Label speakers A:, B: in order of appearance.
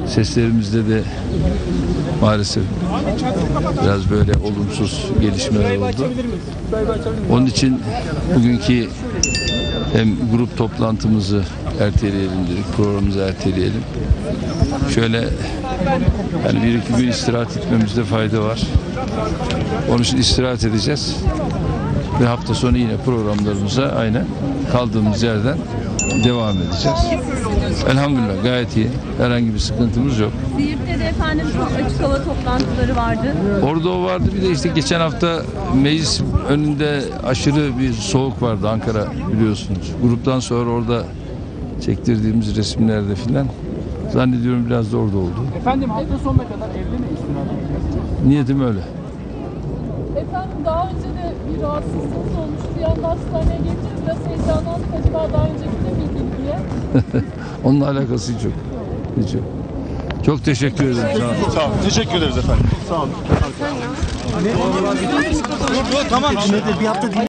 A: Seslerimizde de maalesef biraz böyle olumsuz gelişmeler oldu. Onun için bugünkü hem grup toplantımızı erteleyelim dedik, programımızı erteleyelim. Şöyle yani bir iki gün istirahat etmemizde fayda var. Onun için istirahat edeceğiz. Ve hafta sonu yine programlarımıza aynen kaldığımız yerden devam edeceğiz. Elhamdülillah gayet iyi. Herhangi bir sıkıntımız yok.
B: Siirt'te de efendim çok açık hava toplantıları vardı.
A: Orada o vardı. Bir de işte geçen hafta meclis önünde aşırı bir soğuk vardı Ankara biliyorsunuz. Gruptan sonra orada çektirdiğimiz resimlerde filan zannediyorum biraz da orada oldu.
C: Efendim hafta sonuna kadar evli miyiz?
A: Niyetim öyle.
D: Efendim daha önce de bir rahatsızlığınız olmuş. Bir anda hastaneye geldiniz. Biraz heyecanlandık. Acaba daha önce gidemiydik diye.
A: Onunla alakası hiç yok. Hiç yok. Çok teşekkür ederim. Sağ olun.
E: Sağ olun. Teşekkür ederiz efendim. Sağ olun. Tamam.